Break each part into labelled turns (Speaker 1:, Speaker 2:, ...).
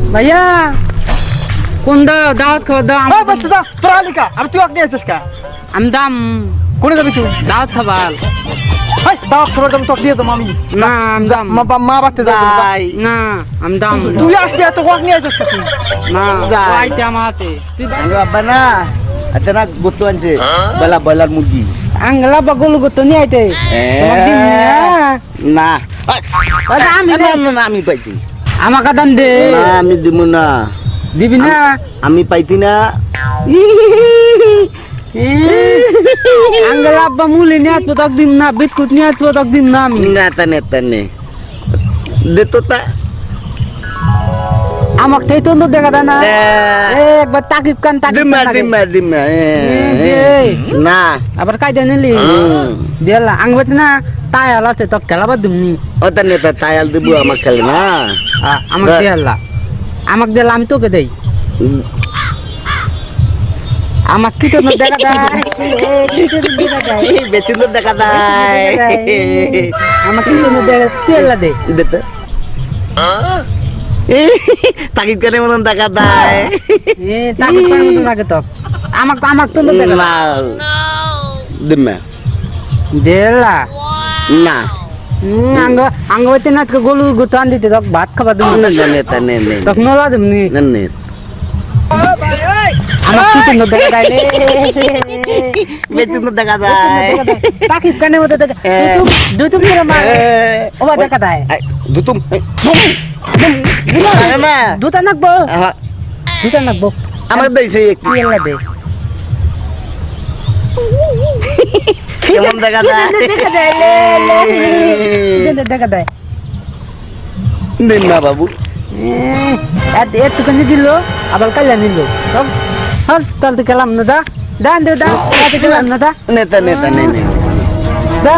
Speaker 1: ভাইয়া কোন দাওয়াত খাবার দাও
Speaker 2: এই বাচ্চা যা তোর আলিকা আমি তুই আগে আসিস কা
Speaker 1: আমি দাম
Speaker 2: কোনে যাবি তুই
Speaker 1: দাওয়াত খাবার
Speaker 2: এই দাও খবর দাম তোকে দিয়ে দাম আমি
Speaker 1: না আমি দাম
Speaker 2: মা বাতে যা
Speaker 1: না আমি দাম
Speaker 2: তুই আসতে এত ওয়াক নিয়ে আসিস কা তুই
Speaker 1: না
Speaker 3: যাই।
Speaker 1: আইতে আমার হাতে তুই
Speaker 3: আমি আব্বা না আচ্ছা না গুত্তু আনছে বেলা ব্রয়লার মুরগি
Speaker 1: আঙ্গলা বাগল গতো নি আইতে তোমার দিন
Speaker 3: না
Speaker 1: আমি
Speaker 3: না, না, না, আমি পাইছি
Speaker 1: আমাকে দান দে
Speaker 3: না আমি দিব না
Speaker 1: দিবি না
Speaker 3: আমি পাইতি না
Speaker 1: আঙ্গলা আব্বা মুলি নি আতো তক দিন না বিস্কুট নি আতো তক দিন না আমি
Speaker 3: নেতা দে তো তা
Speaker 1: আমাকে তাই তো দেখা দেয় না একবার তাকিব কান তাকিব
Speaker 3: দিমা না
Speaker 1: আবার কাইদা নিলি দিলা আঙ্গবত না তাই আলাতে তো খেলাবার দিমনি
Speaker 3: ওটা নেতা তায়াল দিব আমার খেলে না
Speaker 1: আমাকে দিলা আমাকে দিলা আমি তোকে দেই আমাকে কি তো দেখা দেয় কি তো দেখা দেয়
Speaker 3: বেতন তো দেখা দেয়
Speaker 1: আমাকে কি তো দেখা তেলা দে
Speaker 3: দে তো তাকিব কেন মতন দেখা দেয়
Speaker 1: তাকিব কান মতো লাগে তো আমাকে তো দেখা
Speaker 3: না দিমা
Speaker 1: দিলা
Speaker 3: না
Speaker 1: আঙ্গবত না গলু গুতান দিতে তক ভাত খাবার দিম
Speaker 3: নেতা নে
Speaker 1: তক নলা দিমনি
Speaker 3: নে
Speaker 1: আমার কি তো দেখা দেয়
Speaker 3: বেতন তো দেখা দেয়
Speaker 1: তাকিব কানে মতো দেখা দুতুম করে মার ওবা দেখা দেয়
Speaker 3: দুতুম না
Speaker 1: দুটা নাকবো দুটা নাকবো
Speaker 3: আমার দেইছে
Speaker 1: কি এলা দে
Speaker 3: কেমন দেখা দেয়
Speaker 1: দেখা দেয় দেখা দেয়
Speaker 3: দিন না বাবু
Speaker 1: একটুখানি দিল আবার কাল্লা নিল হল তাহলে খেলাম না দা দান দে দা খেলাম না দা
Speaker 3: নেতা নে
Speaker 1: দা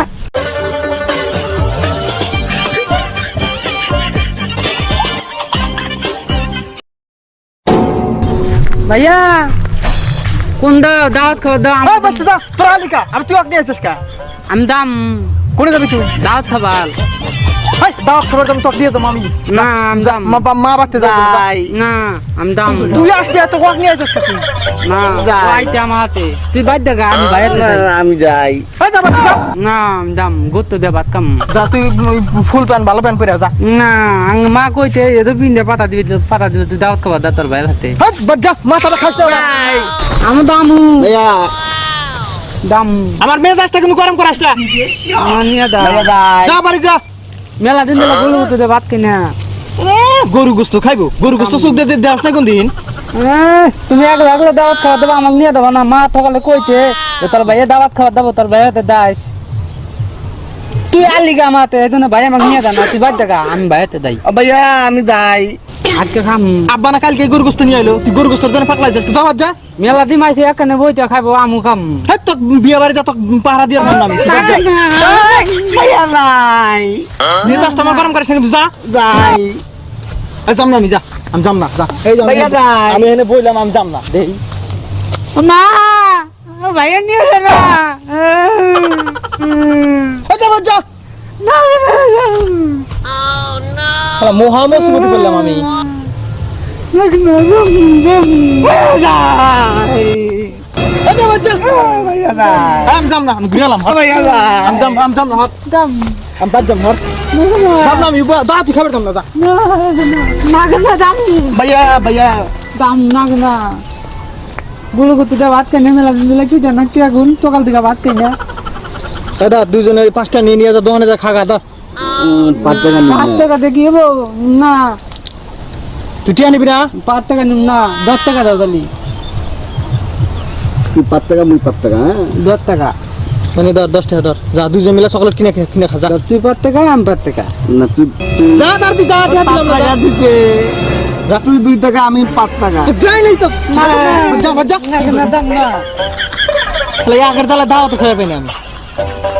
Speaker 1: ভাইয়া কোন দাওয়াত খাবার দাও
Speaker 2: এই বাচ্চা যা তোর আলিকা আমি তুই আগে আসিস কা
Speaker 1: আমি দাম
Speaker 2: কোনে যাবি তুই
Speaker 1: দাওয়াত খাবার
Speaker 2: এই দাও খবর দাম তোকে দিয়ে দাম আমি
Speaker 1: না আমি দাম
Speaker 2: মা বাতে যা
Speaker 1: না আমি দাম
Speaker 2: তুই আসতে এত ওয়াক নিয়ে আসিস কা তুই
Speaker 1: না আইতে আমার হাতে তুই বাদ দেখা আমি বাইরে
Speaker 3: আমি যাই
Speaker 2: এই যা বাচ্চা যা
Speaker 1: না আমি দাম গুত্ত দে ভাত খাম
Speaker 2: যা তুই ফুল প্যান্ট ভালো প্যান্ট পরে যা
Speaker 1: না মা কইতে এতো পিন্দে পাতা দিবি তুই দাওয়াত খাবার দা তোর ভাইয়ের হাতে
Speaker 2: এই বাচ্চা মাথাটা খাস না
Speaker 1: আমি দামু
Speaker 3: ভাইয়া
Speaker 1: দাম
Speaker 2: আমার মেজাজটা কিন্তু গরম করাস না
Speaker 1: নিয়ে দা
Speaker 2: যা বাড়ি যা
Speaker 1: মেলা দিন দিলা গলু তো দে ভাত কিনা
Speaker 2: গরু গোস্ত খাইবো গরু গোস্ত সুখ দে দেওয়াস না কোন দিন
Speaker 1: তুমি একলা একলা দাওয়াত খাওয়া দেবা আমাকে নিয়ে দেবা না মা সকালে কইতে তোর ভাইয়া দাওয়াত খাওয়া দেবো তোর ভাইয়া হাতে দাস তুই আলি গা মাতে এই জন্য ভাই আমাকে নিয়ে দা না তুই বাদ দেখা আমি ভাই হাতে দাই
Speaker 3: ভাইয়া আমি যাই
Speaker 1: আজকে খাম
Speaker 2: আব্বা না কালকে গরু গোস্ত নিয়ে আইলো তুই গরু গোস্তর জন্য পাকলা যা তুই যাওয়া যা
Speaker 1: মেলা দিন আইছে এখানে বইতে খাইবো আমু খাম
Speaker 2: হ্যাঁ তো বিয়ে বাড়ি যা তো পাহারা দিয়ে রাখলাম আমি
Speaker 3: ভাইয়া নাই
Speaker 2: মেজাজটা আমার গরম করিস না কিন্তু যা
Speaker 3: যাই
Speaker 2: এই যাম না আমি যা আমি যাম না যা এই যাম
Speaker 3: ভাইয়া যাই
Speaker 2: আমি এনে বইলাম আমি যাম না দেই
Speaker 1: মা ভাইয়া নিয়ে দে না
Speaker 2: এই যা যা শালা মহা মুসিবত করলাম আমি এই যা যা
Speaker 3: ভাইয়া যাই
Speaker 2: আমি যাম না আমি ঘুরে এলাম
Speaker 3: ভাইয়া যাই
Speaker 2: আমি যাম না হট
Speaker 1: দাম
Speaker 2: আমি বাদ যাম হট যাম না আমি দা তুই খাবার যাম না যা
Speaker 1: না দাম
Speaker 3: ভাইয়া
Speaker 1: দাম না গুলো করতে দে ভাত কেনে মেলা দিন দিলে কি জানা কি আগুন সকাল থেকে ভাত কেনে
Speaker 2: দাদা দুজনে 5টা নিয়ে যা দোকানে যা খাগা দা
Speaker 3: 5 টাকা
Speaker 1: 5 টাকা দেখি এবো না
Speaker 2: তুই টিয়া নিবি না
Speaker 1: 5 টাকা নিম না 10 টাকা দাও তালি
Speaker 3: তুই 5 টাকা মুই 5 টাকা
Speaker 1: 10 টাকা
Speaker 2: মানে ধর 10 টাকা ধর যা দুজন মিলে চকলেট কিনে খা যা
Speaker 1: তুই 5 টাকা আমি 5 টাকা
Speaker 3: না তুই
Speaker 2: যা তার তুই যা
Speaker 3: 5 টাকা দিতে যা তুই 2 টাকা আমি 5 টাকা
Speaker 2: যাই নাই তো যা যা
Speaker 1: না দাম না
Speaker 2: তাহলে আগের জ্বালা দাও তো খেয়ে পাইনি আমি